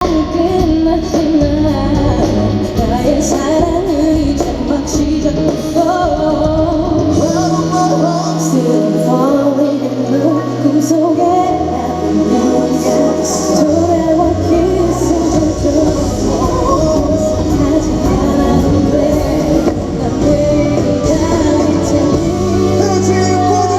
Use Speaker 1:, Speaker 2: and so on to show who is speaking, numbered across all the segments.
Speaker 1: 끝났지만 나의 사랑은 이제 막 시작됐어. Still falling in love 꿈속에 돌아와 kissing 하지 않아도 돼. 난 매일 기다릴 테니.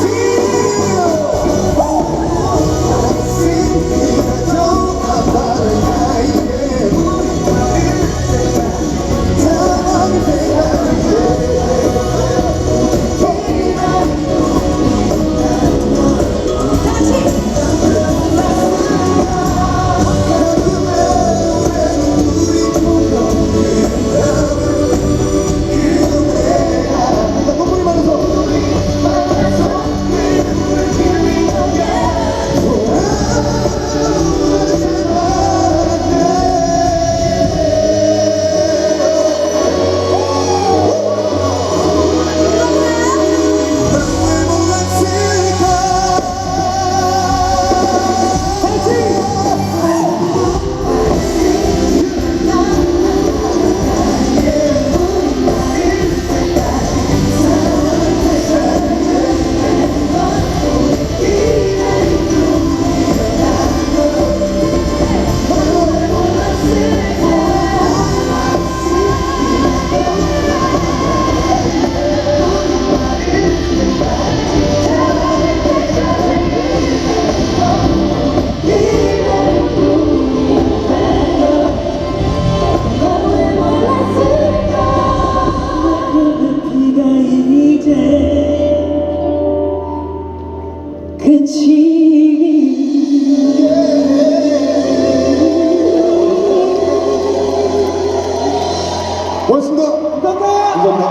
Speaker 2: 고맙습니다. 감사합니다.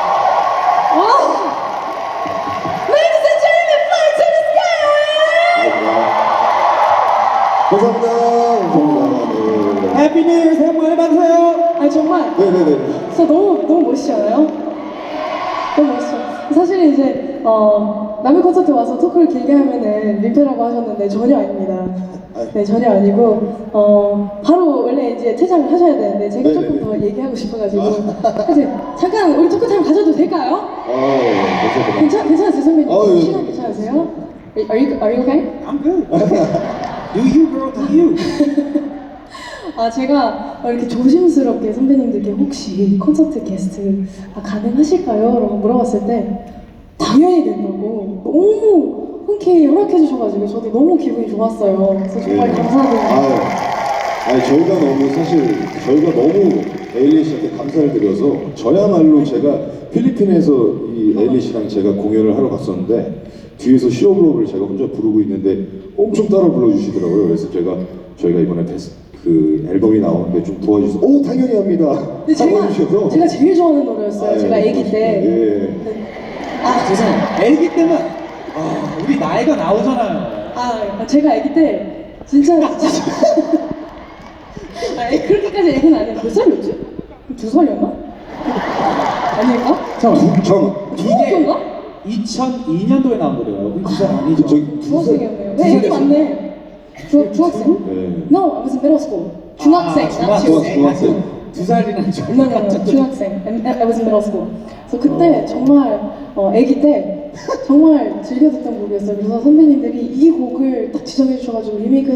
Speaker 1: Ladies and gentlemen, fly to the sky!
Speaker 2: 감사합니다. 네.
Speaker 3: 해피 뉴 이어 새해 복 많이 받으세요.
Speaker 1: 아니 정말
Speaker 2: 네네네.
Speaker 1: 진짜 너무 멋있지 않아요? 너무 멋있어. 사실 이제 남의 콘서트 와서 토크를 길게 하면은 민폐라고 하셨는데 전혀 아닙니다. 네, 전혀 아니고 바로 원래 이제 퇴장을 하셔야 되는데 제가
Speaker 2: 네네네.
Speaker 1: 조금 더 얘기하고 싶어가지고 이제 잠깐 우리 토크 타임 가져도 될까요?
Speaker 2: 감사합니다.
Speaker 1: 괜찮으세요 선배님?
Speaker 2: 예.
Speaker 1: 시간 괜찮으세요? Are you okay?
Speaker 3: I'm good. Do you girl, do you?
Speaker 1: 아 제가 이렇게 조심스럽게 선배님들께 혹시 콘서트 게스트 가능하실까요? 라고 물어봤을 때 당연히 된다고 너무 흔쾌히 허락해 주셔가지고 저도 너무 기분이 좋았어요. 그래서 정말 감사드립니다.
Speaker 2: 저희가 너무 에일리 씨한테 감사를 드려서 저야말로 제가 필리핀에서 이 에일리 씨랑 제가 공연을 하러 갔었는데 뒤에서 시오블록을 제가 혼자 부르고 있는데 엄청 따라 불러주시더라고요. 그래서 저희가 이번에 그 앨범이 나오는데 좀 도와주셔서 오 당연히 합니다.
Speaker 1: 근데 제가 제일 좋아하는 노래였어요. 제가 아기 때.
Speaker 2: 예.
Speaker 3: 죄송해요. 애기 때는 우리 나이가 나오잖아요.
Speaker 1: 제가 아기 때 진짜 그렇게까지 애기는 아니에요. 몇 살이었지? 2살이었나? 아닐까?
Speaker 3: 이게
Speaker 1: 중학교인가?
Speaker 3: 2002년도에 나온 노래예요. 그 2살 아니죠?
Speaker 1: 중학생이었네요. 네, 애기 맞네. 중학생?
Speaker 2: 네.
Speaker 1: No, I was in middle school. 중학생.
Speaker 2: 중학생.
Speaker 3: 2살이라는 줄.
Speaker 1: No, 중학생. I was in middle school. 그래서 그때 정말 아기 때 정말 즐겨 듣던 곡이었어요. 그래서 선배님들이 이 곡을 딱 지정해 주셔가지고 리메이크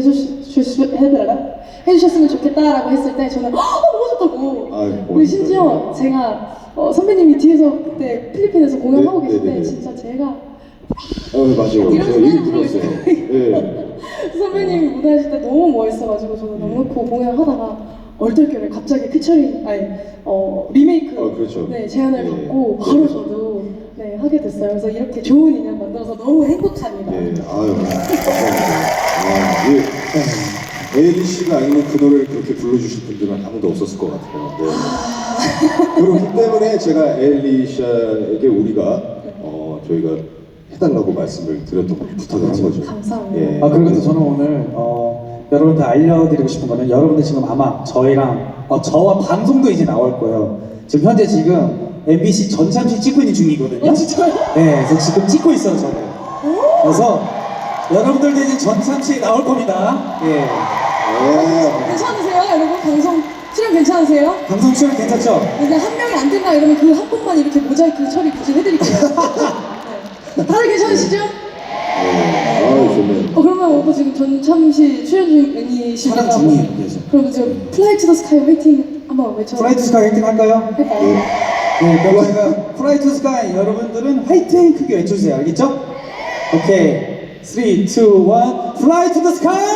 Speaker 1: 해주셨으면 좋겠다라고 했을 때 저는 너무 좋다고. 그리고 심지어 제가 선배님이 뒤에서 그때 필리핀에서 공연하고 계실 때 진짜 제가
Speaker 2: 맞아요.
Speaker 1: 이런
Speaker 2: 제가 얘기
Speaker 1: 소리를
Speaker 2: 들었어요. 예.
Speaker 1: 선배님이 무대하실 때 너무 멋있어가지고 저는 넉넉히 공연을 하다가 얼떨결에 갑자기 리메이크
Speaker 2: 그렇죠.
Speaker 1: 네, 제안을
Speaker 2: 네.
Speaker 1: 받고 바로 저도 네, 하게 됐어요. 그래서 이렇게 좋은 인연 만들어서 너무 행복합니다.
Speaker 2: 네, 감사합니다. 에일리 씨가 아니면 그 노래를 그렇게 불러주실 분들은 아무도 없었을 것 같아요. 네. 그렇기 때문에 제가 에일리 씨에게 우리가 저희가 해달라고 말씀을 드렸던 거죠. 부탁을 한 거죠.
Speaker 1: 감사합니다.
Speaker 2: 예.
Speaker 3: 그리고 저는 오늘 여러분들 알려드리고 싶은 거는 여러분들 지금 아마 저희랑 저와 방송도 이제 나올 거예요. 지금 현재 MBC 전참시 찍고 있는 중이거든요.
Speaker 1: 진짜요?
Speaker 3: 네, 그래서 지금 찍고 있어요, 저는. 그래서 여러분들도 이제 전참시에 나올 겁니다. 예.
Speaker 1: 괜찮아요. 괜찮으세요?
Speaker 3: 방송 출연 괜찮죠?
Speaker 1: 근데 한 명이 안 된다 이러면 그 한 번만 이렇게 모자이크 처리 굳이 해드릴게요. 네. 다들 괜찮으시죠?
Speaker 2: 좋네요.
Speaker 1: 그러면 오빠 지금 전참시 출연 중이시니까
Speaker 3: 촬영 중이에요, 그래서.
Speaker 1: 그러면 지금 플라이 투 더 스카이 화이팅 한번 외쳐.
Speaker 3: 프라이 투 스카이 화이팅 할까요?
Speaker 1: 할까요?
Speaker 3: 네, 그럼 저희가 프라이 투 스카이 여러분들은 화이팅 크게 외쳐주세요. 알겠죠? 오케이. 3, 2, 1 플라이 투 더 스카이!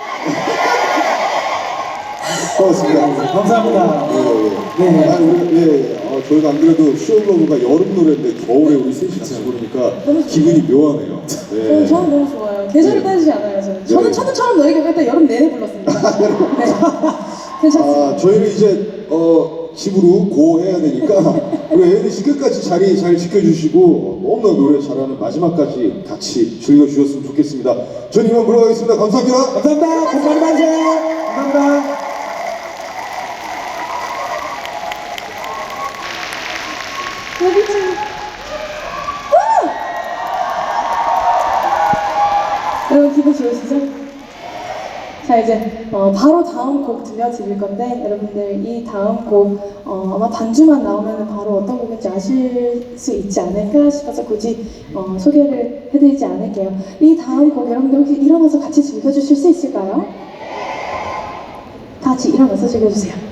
Speaker 2: 고맙습니다.
Speaker 3: 감사합니다.
Speaker 2: 네.
Speaker 3: 네.
Speaker 2: 저희가 안 그래도 쇼블로그가 여름 노래인데 겨울에 우리 셋이 같이 부르니까 기분이 묘하네요. 네.
Speaker 1: 저는 너무 좋아요. 계절을 따지지 않아요. 저는 천우처럼 너에게 일단 여름 내내 불렀습니다. 네. 괜찮습니다.
Speaker 2: 저희는 이제 집으로 고해야 되니까 우리 에일리 씨 끝까지 자리 잘 지켜주시고 너무나 노래 잘하는 마지막까지 같이 즐겨주셨으면 좋겠습니다. 저는 이만 물러가겠습니다. 감사합니다.
Speaker 3: 감사합니다. 복 많이 받으세요. 감사합니다.
Speaker 1: 여기 좀. 여러분 기분 좋으시죠? 자 이제 바로 다음 곡 들려드릴 건데 여러분들 이 다음 곡 아마 반주만 나오면 바로 어떤 곡인지 아실 수 있지 않을까 싶어서 굳이 소개를 해드리지 않을게요. 이 다음 곡 여러분들 혹시 일어나서 같이 즐겨주실 수 있을까요? 다 같이 일어나서 즐겨주세요.